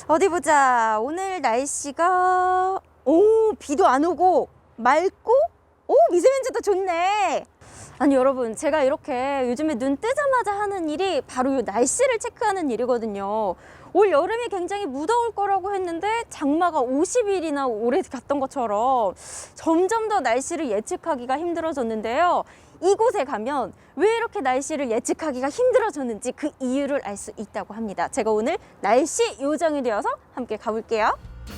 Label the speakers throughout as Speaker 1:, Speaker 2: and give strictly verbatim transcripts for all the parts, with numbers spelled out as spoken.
Speaker 1: 어디 보자. 오늘 날씨가 오 비도 안 오고 맑고 오 미세먼지도 좋네. 아니 여러분, 제가 이렇게 요즘에 눈 뜨자마자 하는 일이 바로 이 날씨를 체크하는 일이거든요. 올 여름이 굉장히 무더울 거라고 했는데 장마가 오십 일이나 오래 갔던 것처럼 점점 더 날씨를 예측하기가 힘들어졌는데요. 이곳에 가면 왜 이렇게 날씨를 예측하기가 힘들어졌는지 그 이유를 알 수 있다고 합니다. 제가 오늘 날씨 요정이 되어서 함께 가볼게요.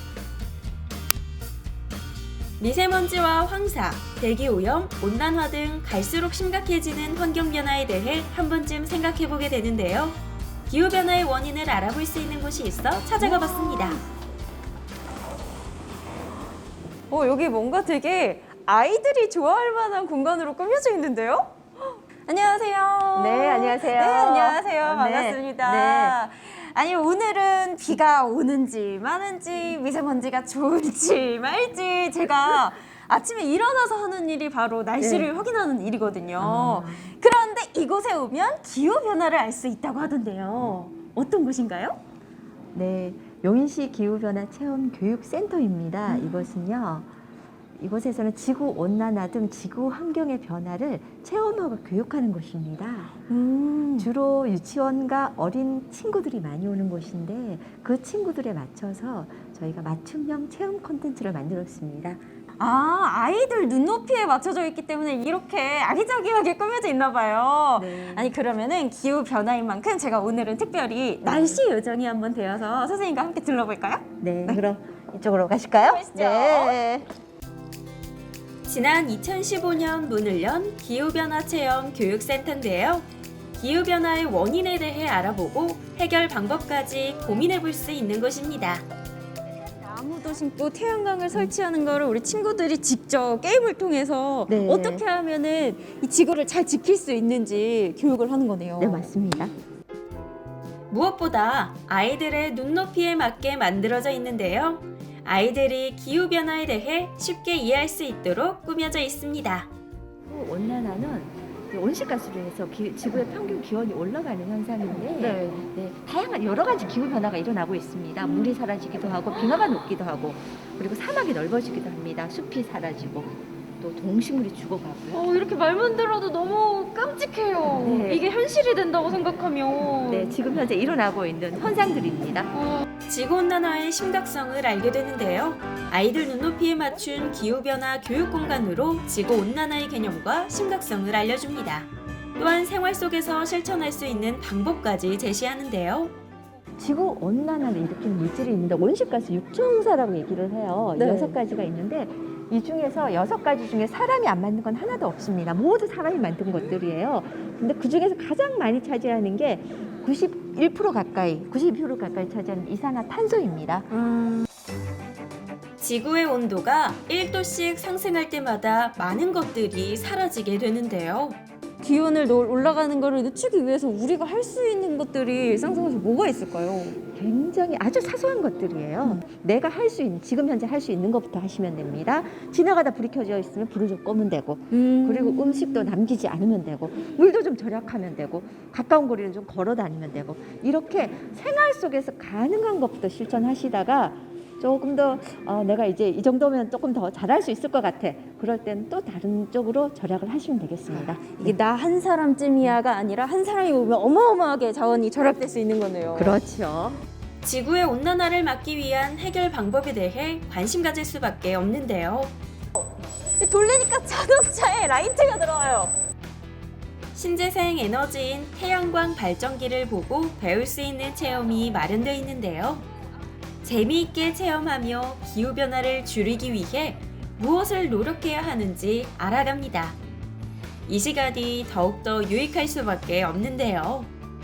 Speaker 2: 미세먼지와 황사, 대기오염, 온난화 등 갈수록 심각해지는 환경변화에 대해 한 번쯤 생각해보게 되는데요. 기후변화의 원인을 알아볼 수 있는 곳이 있어 찾아가 봤습니다.
Speaker 1: 어, 여기 뭔가 되게 아이들이 좋아할 만한 공간으로 꾸며져 있는데요? 안녕하세요.
Speaker 3: 네, 안녕하세요.
Speaker 1: 네, 안녕하세요.
Speaker 3: 네,
Speaker 1: 반갑습니다. 아니, 오늘은 비가 오는지 마는지 미세먼지가 좋을지 말지 제가 아침에 일어나서 하는 일이 바로 날씨를
Speaker 3: 네.
Speaker 1: 확인하는 일이거든요.
Speaker 3: 아.
Speaker 1: 그런데 이곳에 오면 기후변화를 알 수 있다고 하던데요. 어떤 곳인가요?
Speaker 3: 네, 용인시 기후변화 체험 교육센터입니다.
Speaker 1: 음.
Speaker 3: 이것은요, 이곳에서는 지구 온난화 등 지구 환경의 변화를 체험하고 교육하는 곳입니다.
Speaker 1: 음.
Speaker 3: 주로 유치원과 어린 친구들이 많이 오는 곳인데 그 친구들에 맞춰서 저희가 맞춤형 체험 콘텐츠를 만들었습니다.
Speaker 1: 아, 아이들 눈높이에 맞춰져 있기 때문에 이렇게 아기자기하게 꾸며져 있나 봐요.
Speaker 3: 네.
Speaker 1: 아니, 그러면은 기후 변화인 만큼 제가 오늘은 특별히 날씨 요정이 한번 되어서 선생님과 함께 둘러볼까요?
Speaker 3: 네, 그럼 이쪽으로 가실까요?
Speaker 1: 가시죠.
Speaker 3: 네.
Speaker 2: 지난 이천십오 년 문을 연 기후변화 체험 교육센터인데요. 기후변화의 원인에 대해 알아보고 해결 방법까지 고민해 볼 수 있는 곳입니다.
Speaker 1: 나무도 심고 태양광을 설치하는 거를 우리 친구들이 직접 게임을 통해서
Speaker 3: 네.
Speaker 1: 어떻게 하면은 이 지구를 잘 지킬 수 있는지 교육을 하는 거네요.
Speaker 3: 네, 맞습니다.
Speaker 2: 무엇보다 아이들의 눈높이에 맞게 만들어져 있는데요. 아이들이 기후변화에 대해 쉽게 이해할 수 있도록 꾸며져 있습니다.
Speaker 3: 온난화는 온실가스로 해서 기, 지구의 평균 기온이 올라가는 현상인데
Speaker 1: 네.
Speaker 3: 네, 다양한 여러 가지 기후 변화가 일어나고 있습니다. 물이 사라지기도 하고 빙하가 녹기도 하고 그리고 사막이 넓어지기도 합니다. 숲이 사라지고 또 동식물이 죽어가고요.
Speaker 1: 어, 이렇게 말만 들어도 너무 끔찍해요.
Speaker 3: 네.
Speaker 1: 이게 현실이 된다고 생각하면.
Speaker 3: 네, 지금 현재 일어나고 있는 현상들입니다.
Speaker 1: 어,
Speaker 2: 지구온난화의 심각성을 알게 되는데요. 아이들 눈높이에 맞춘 기후변화 교육 공간으로 지구온난화의 개념과 심각성을 알려줍니다. 또한 생활 속에서 실천할 수 있는 방법까지 제시하는데요.
Speaker 3: 지구 온난화를 일으키는 물질이 있는데 온실가스 육중성사라고 얘기를 해요.
Speaker 1: 네.
Speaker 3: 여섯 가지가 있는데 이 중에서 여섯 가지 중에 사람이 안 만든 건 하나도 없습니다. 모두 사람이 만든 것들이에요. 근데 그 중에서 가장 많이 차지하는 게 구십일 퍼센트 가까이, 구십이 퍼센트 가까이 차지하는 이산화탄소입니다.
Speaker 1: 음.
Speaker 2: 지구의 온도가 일 도씩 상승할 때마다 많은 것들이 사라지게 되는데요.
Speaker 1: 기온을 놓- 올라가는 거를 늦추기 위해서 우리가 할 수 있는 것들이 일상생활에서 뭐가 있을까요?
Speaker 3: 굉장히 아주 사소한 것들이에요. 내가 할 수 있는, 지금 현재 할 수 있는 것부터 하시면 됩니다. 지나가다 불이 켜져 있으면 불을 좀 끄면 되고,
Speaker 1: 음.
Speaker 3: 그리고 음식도 남기지 않으면 되고, 물도 좀 절약하면 되고, 가까운 거리를 좀 걸어 다니면 되고, 이렇게 생활 속에서 가능한 것부터 실천하시다가 조금 더 어, 내가 이제 이 정도면 조금 더 잘할 수 있을 것 같아. 그럴 때는 또 다른 쪽으로 절약을 하시면 되겠습니다.
Speaker 1: 이게 나 한 사람쯤이야가 아니라 한 사람이 보면 어마어마하게 자원이 절약될 수 있는 거네요.
Speaker 3: 그렇죠.
Speaker 2: 지구의 온난화를 막기 위한 해결 방법에 대해 관심 가질 수밖에 없는데요.
Speaker 1: 돌리니까 자동차에 라이트가 들어와요.
Speaker 2: 신재생 에너지인 태양광 발전기를 보고 배울 수 있는 체험이 마련되어 있는데요. 재미있게 체험하며 기후변화를 줄이기 위해 무엇을 노력해야 하는지 알아갑니다. 이 시간이 더욱더 유익할 수밖에 없는데요.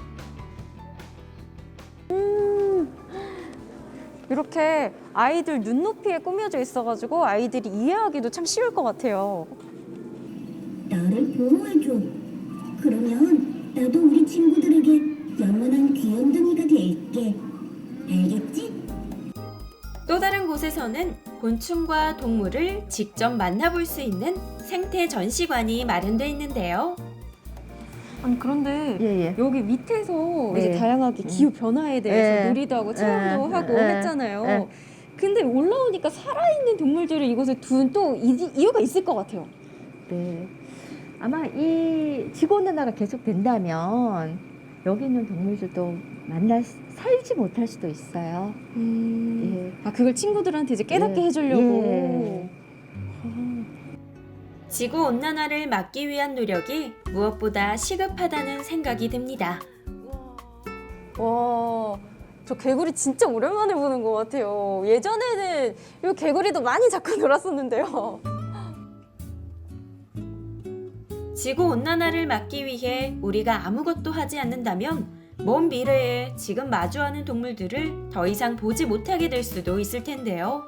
Speaker 1: 이렇게 아이들 눈높이에 꾸며져 있어가지고 아이들이 이해하기도 참 쉬울 것 같아요.
Speaker 4: 나를 보호해줘. 그러면 나도 우리 친구들에게 영원한 귀염둥이가 될게. 알겠지?
Speaker 2: 또 다른 곳에서는 곤충과 동물을 직접 만나볼 수 있는 생태 전시관이 마련되어 있는데요.
Speaker 1: 아니 그런데
Speaker 3: 예, 예.
Speaker 1: 여기 밑에서
Speaker 3: 네.
Speaker 1: 이제 다양하게 기후 변화에 대해서
Speaker 3: 네.
Speaker 1: 놀이도 하고 체험도
Speaker 3: 네.
Speaker 1: 하고
Speaker 3: 네.
Speaker 1: 했잖아요.
Speaker 3: 네.
Speaker 1: 근데 올라오니까 살아있는 동물들을 이곳에 둔 또 이유가 있을 것 같아요.
Speaker 3: 네. 아마 이 지구온난화가 계속 된다면 여기 있는 동물들도 만나 살지 못할 수도 있어요.
Speaker 1: 음.
Speaker 3: 예.
Speaker 1: 아 그걸 친구들한테 이제 깨닫게
Speaker 3: 예.
Speaker 1: 해주려고.
Speaker 3: 예.
Speaker 2: 지구 온난화를 막기 위한 노력이 무엇보다 시급하다는 생각이 듭니다.
Speaker 1: 와, 저 개구리 진짜 오랜만에 보는 것 같아요. 예전에는 이 개구리도 많이 잡고 놀았었는데요.
Speaker 2: 지구 온난화를 막기 위해 우리가 아무것도 하지 않는다면 먼 미래에 지금 마주하는 동물들을 더 이상 보지 못하게 될 수도 있을 텐데요.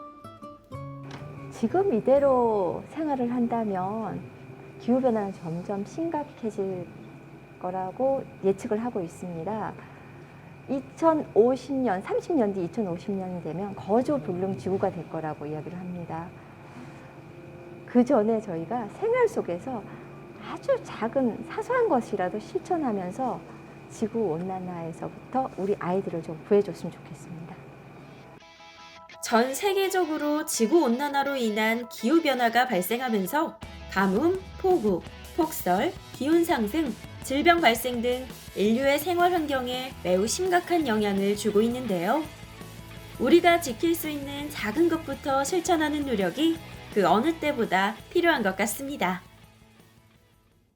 Speaker 3: 지금 이대로 생활을 한다면 기후변화는 점점 심각해질 거라고 예측을 하고 있습니다. 이천오십 년, 삼십 년 뒤 이천오십 년이 되면 거조불능 지구가 될 거라고 이야기를 합니다. 그 전에 저희가 생활 속에서 아주 작은 사소한 것이라도 실천하면서 지구온난화에서부터 우리 아이들을 좀 구해줬으면 좋겠습니다.
Speaker 2: 전 세계적으로 지구 온난화로 인한 기후 변화가 발생하면서 가뭄, 폭우, 폭설, 기온 상승, 질병 발생 등 인류의 생활 환경에 매우 심각한 영향을 주고 있는데요. 우리가 지킬 수 있는 작은 것부터 실천하는 노력이 그 어느 때보다 필요한 것 같습니다.